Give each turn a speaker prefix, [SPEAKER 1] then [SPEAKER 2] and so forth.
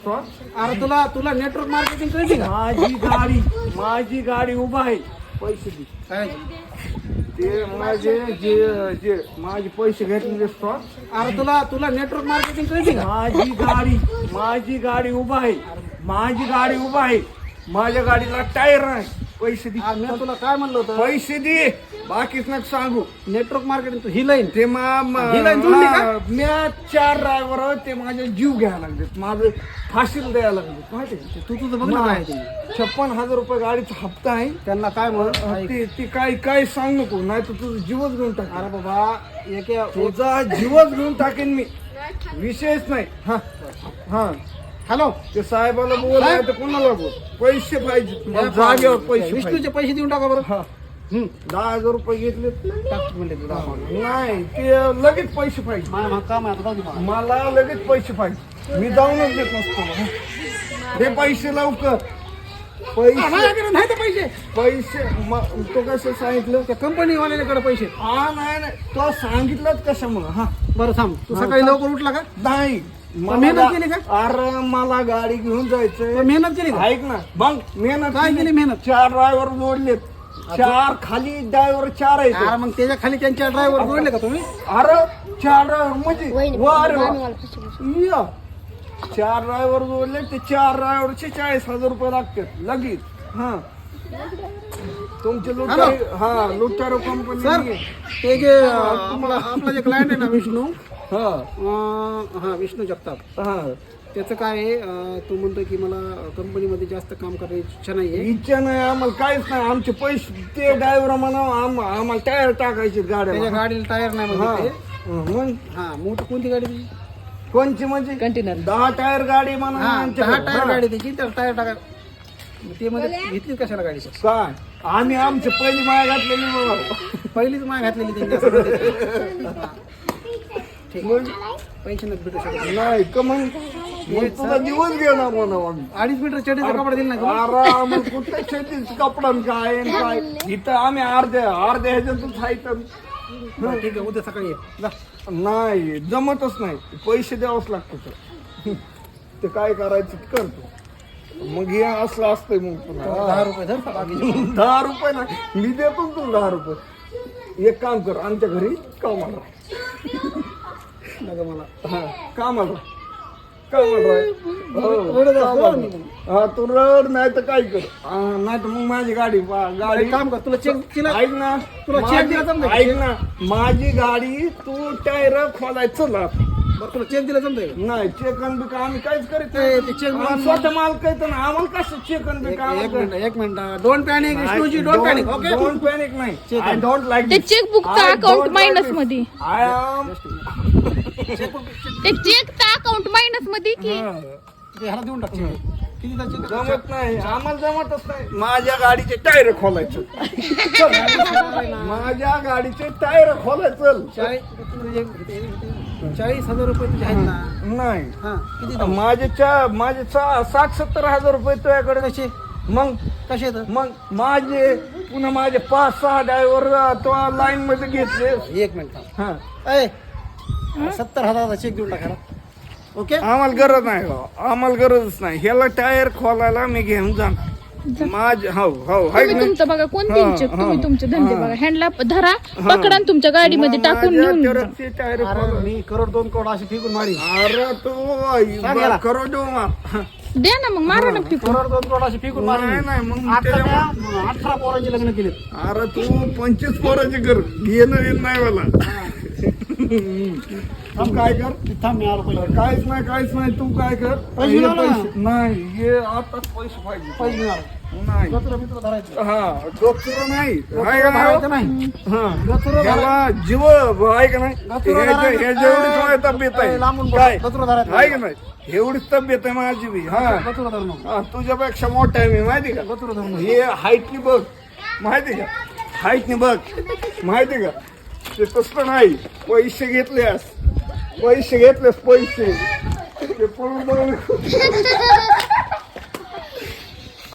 [SPEAKER 1] अरे तुला तुला नेटवर्क मार्केटिंग कळते का?
[SPEAKER 2] माझी गाडी उभा आहे. पैसे दे.
[SPEAKER 1] काय
[SPEAKER 2] ते माझे जे जे माझे पैसे घेतले दिसतो.
[SPEAKER 1] अरे तुला तुला नेटवर्क मार्केटिंग कळते का?
[SPEAKER 2] माझी गाडी उभा आहे. माझ्या गाडीला टायर नाही. पैसे दे.
[SPEAKER 1] मी तुला काय म्हणलं होतं?
[SPEAKER 2] पैसे दे. बाकीच नका सांगू.
[SPEAKER 1] नेटवर्क मार्केटिंग ही लाईन
[SPEAKER 2] ते
[SPEAKER 1] ही लाईन जोडली का?
[SPEAKER 2] मी 4 ड्रायव्हर ते माझे जीव घ्यायला लागले. माझं फाशील द्यायला लागले. माहिती आहे?
[SPEAKER 1] तू तुझं बघ ना काय ते.
[SPEAKER 2] 56,000 रुपये गाडीचा हप्ता आहे.
[SPEAKER 1] त्यांना काय म्हण
[SPEAKER 2] ते काय सांग नको, नाही तर तुझं जीवच घेऊन टाक.
[SPEAKER 1] अरे बाबा
[SPEAKER 2] तुझा जीवच घेऊन टाकेन मी. विषयच नाही. हा हा
[SPEAKER 1] हॅलो
[SPEAKER 2] ते साहेबाला बोल, नाही तर कोणाला बोल. पैसे पाहिजे जागेवर. पैसे
[SPEAKER 1] विष्णूचे पैसे देऊन टाका बरं.
[SPEAKER 2] हा 10,000 रुपये घेतले.
[SPEAKER 1] टाक म्हणले तुला.
[SPEAKER 2] नाही ते लगेच पैसे पाहिजे.
[SPEAKER 1] माझं काम आहे आता, जाऊ दे मला.
[SPEAKER 2] मला लगेच पैसे पाहिजे. मी जाऊनच देत नसतो. हे पैसे लवकर.
[SPEAKER 1] माझ्याकडे नाही तर
[SPEAKER 2] पैसे तो कसं सांगितलं?
[SPEAKER 1] त्या कंपनी वाल्याकडे पैसे.
[SPEAKER 2] नाही तो सांगितलंच कशामुळं. हा
[SPEAKER 1] बरं थांब, तू सकाळी लवकर उठला का?
[SPEAKER 2] नाही
[SPEAKER 1] मेहनत केली का?
[SPEAKER 2] अरे मला गाडी घेऊन जायचंय.
[SPEAKER 1] मेहनत केली का?
[SPEAKER 2] ऐक ना मग मेहनत
[SPEAKER 1] काय केली मेहनत?
[SPEAKER 2] 4 ड्रायव्हर जोडलेत. 4 खाली ड्रायव्हर 4 आहेत.
[SPEAKER 1] अरे मग त्याच्या खाली त्यांच्या ड्रायव्हर जोडले का तुम्ही?
[SPEAKER 2] अरे 4 ड्रायव्हर म्हणजे वर या 4 ड्रायव्हर जोडले. ते 4 ड्रायव्हरचे 40,000 रुपये लागतात लगेच. हा तुमचे लुटारो
[SPEAKER 1] सर
[SPEAKER 2] कंपनी.
[SPEAKER 1] ते जे आपला जे क्लायंट आहे ना विष्णू,
[SPEAKER 2] हा
[SPEAKER 1] हा विष्णू जगताप,
[SPEAKER 2] हा
[SPEAKER 1] त्याचं काय आहे, तो म्हणतो की मला कंपनीमध्ये जास्त काम करायची इच्छा नाही आहे.
[SPEAKER 2] इच्छा नाही आम्हाला, काहीच नाही. आमचे पैसे ते ड्रायव्हर म्हणा आम्हाला टायर टाकायचे
[SPEAKER 1] त्याच्या
[SPEAKER 2] गाड्या.
[SPEAKER 1] गाडीला टायर नाही
[SPEAKER 2] हा
[SPEAKER 1] म्हणजे ते.
[SPEAKER 2] मग
[SPEAKER 1] हा मोठी कोणती गाडी तुझी?
[SPEAKER 2] कोणची म्हणजे
[SPEAKER 1] कंटेनर.
[SPEAKER 2] 10 टायर गाडी म्हणा.
[SPEAKER 1] हा 10
[SPEAKER 2] आमच्याकडे.
[SPEAKER 1] टायर
[SPEAKER 2] हा.
[SPEAKER 1] गाडी त्याची, तर टायर टाका. ते मध्ये घेतली कशाला गाडी?
[SPEAKER 2] काय आम्ही आमची पहिली माया घातलेली बघा.
[SPEAKER 1] पहिलीच माय घातलेली त्यांनी असं. ठीक पैसे नाही भेटू शकत.
[SPEAKER 2] नाही का मग तुझा दिवस घेणार म्हणा आम्ही.
[SPEAKER 1] 2.5 मीटर चढीचा कपडा दिला नाही का?
[SPEAKER 2] आराम कुठे शेतीच कपडा आणि काय आणि काय. इथं आम्ही अर्ध्या ह्याच्यातच आहे.
[SPEAKER 1] बरं, ठीक आहे, उद्या सकाळी ये. जा.
[SPEAKER 2] नाही जमतच नाही. पैसे द्यावंच लागतं. ते काय करायचं ते करतो. मग हे असलं असतंय. मग पुन्हा
[SPEAKER 1] 10 रुपये धर का बाकीचे?
[SPEAKER 2] 10 रुपये ना मी देतो ना तुला 10 रुपये. एक काम कर, आमच्या घरी कामाला
[SPEAKER 1] नका मला.
[SPEAKER 2] हा कामाला राह.
[SPEAKER 1] रडत असतो
[SPEAKER 2] हो,
[SPEAKER 1] मी.
[SPEAKER 2] हा तू रड नाही तर काय कर. नाही तर मग माझी गाडी
[SPEAKER 1] एक काम कर, तुला चेक
[SPEAKER 2] ऐक ना,
[SPEAKER 1] तुला चेक दिला जमतंय का?
[SPEAKER 2] ऐक ना माझी गाडी तू टायर खोलायचं चला.
[SPEAKER 1] बरं तुला चेक दिला जमतंय का?
[SPEAKER 2] नाही चेकन बिक आम्ही काहीच करीत
[SPEAKER 1] ते
[SPEAKER 2] नाही.
[SPEAKER 1] check
[SPEAKER 2] आम्ही स्वतः माल कहतो ना, आम्हाला कसं चेकन बिक.
[SPEAKER 1] एक minute don't panic Vishnuji, don't panic. Okay
[SPEAKER 2] don't panic नाही.
[SPEAKER 1] Check
[SPEAKER 2] आय डोंट लाईक
[SPEAKER 3] ते चेकबुकचं अकाउंट मायनस मध्ये.
[SPEAKER 2] आय एम
[SPEAKER 3] ते चेकचं अकाउंट मायनस मध्ये की
[SPEAKER 1] ह्याला देऊन टाक check. किती चेक?
[SPEAKER 2] जमत नाही आम्हाला, जमतच नाही. माझ्या गाडीचे टायर खोलायचं. माझ्या गाडीचे टायर खोलायचं.
[SPEAKER 1] 40,000 रुपये तुझे आहेत ना?
[SPEAKER 2] नाही
[SPEAKER 1] हा किती देऊ?
[SPEAKER 2] माझे 60-70 हजार रुपये तुझ्याकडे.
[SPEAKER 1] कसे
[SPEAKER 2] मग
[SPEAKER 1] कसे आहेत?
[SPEAKER 2] मग माझे पुन्हा माझे 5-6 ड्रायव्हर तो लाईन मध्ये घेतले.
[SPEAKER 1] एक मिनिट थांब.
[SPEAKER 2] हा
[SPEAKER 1] ए 70,000चा चेक देऊन टाका. ओके
[SPEAKER 2] आम्हाला गरज नाही हो. आम्हाला गरजच नाही. ह्याला टायर खोलायला मी घेऊन जाणार. माझे हो हाय
[SPEAKER 3] तुम्ही
[SPEAKER 2] की
[SPEAKER 3] तुमचं बघा कोण
[SPEAKER 2] हा,
[SPEAKER 3] देईल चेक? तुम्ही
[SPEAKER 2] हा,
[SPEAKER 3] तुमचे धंदे
[SPEAKER 2] हा.
[SPEAKER 3] बघा. हँडला धरा, पकडा आणि तुमच्या गाडीमध्ये टाकून नेऊन जा.
[SPEAKER 2] नाही? टायर
[SPEAKER 1] अरे मी करोड 2 करोड अशी फेकून मारी.
[SPEAKER 2] अरे
[SPEAKER 1] सांग याला.
[SPEAKER 2] तू करो देऊ
[SPEAKER 3] द्या ना मग, मारा ना फेकून.
[SPEAKER 1] करोड 2 करोड अशी फेकून मारी.
[SPEAKER 2] नाही मग
[SPEAKER 1] आता
[SPEAKER 2] त्याच्यामुळे-
[SPEAKER 1] त्या 18 पोरांचे लग्न केले.
[SPEAKER 2] अरे तू 25 पोराचे कर घेणं नाही मला. तू काय कर.
[SPEAKER 1] थांब मी आलो पहिले.
[SPEAKER 2] काहीच नाही तू काय कर.
[SPEAKER 1] पैसे
[SPEAKER 2] हे
[SPEAKER 1] मिळाले ना?
[SPEAKER 2] नाही हे आताच पैसे पाहिजे.
[SPEAKER 1] पैसे मिळाले.
[SPEAKER 2] नाही
[SPEAKER 1] गचुरं बिचुरं धरायचं.
[SPEAKER 2] हा गचुरं नाही. आहे का
[SPEAKER 1] धरायचं
[SPEAKER 2] नाही?
[SPEAKER 1] नाही.
[SPEAKER 2] हा
[SPEAKER 1] गचुरं
[SPEAKER 2] याला जीव आहे का नाही.
[SPEAKER 1] गचुरं धरायचं.
[SPEAKER 2] जेवढी तब्येत आहे
[SPEAKER 1] लांबून बोल.
[SPEAKER 2] काय
[SPEAKER 1] गचुरं धरायचं.
[SPEAKER 2] आहे का नाही. एवढीच तब्येत आहे माझी बी. हा
[SPEAKER 1] गचुरं धरू नको.
[SPEAKER 2] हा, तुझ्यापेक्षा मोठा आहे मी माहिती का.
[SPEAKER 1] गचुरं धरू नको.
[SPEAKER 2] हे हाईटनी बघ माहिती का. हाईटनी बघ माहिती का. ते तसं नाही. पैसे घेतलेस पैसे ते पळून जाऊन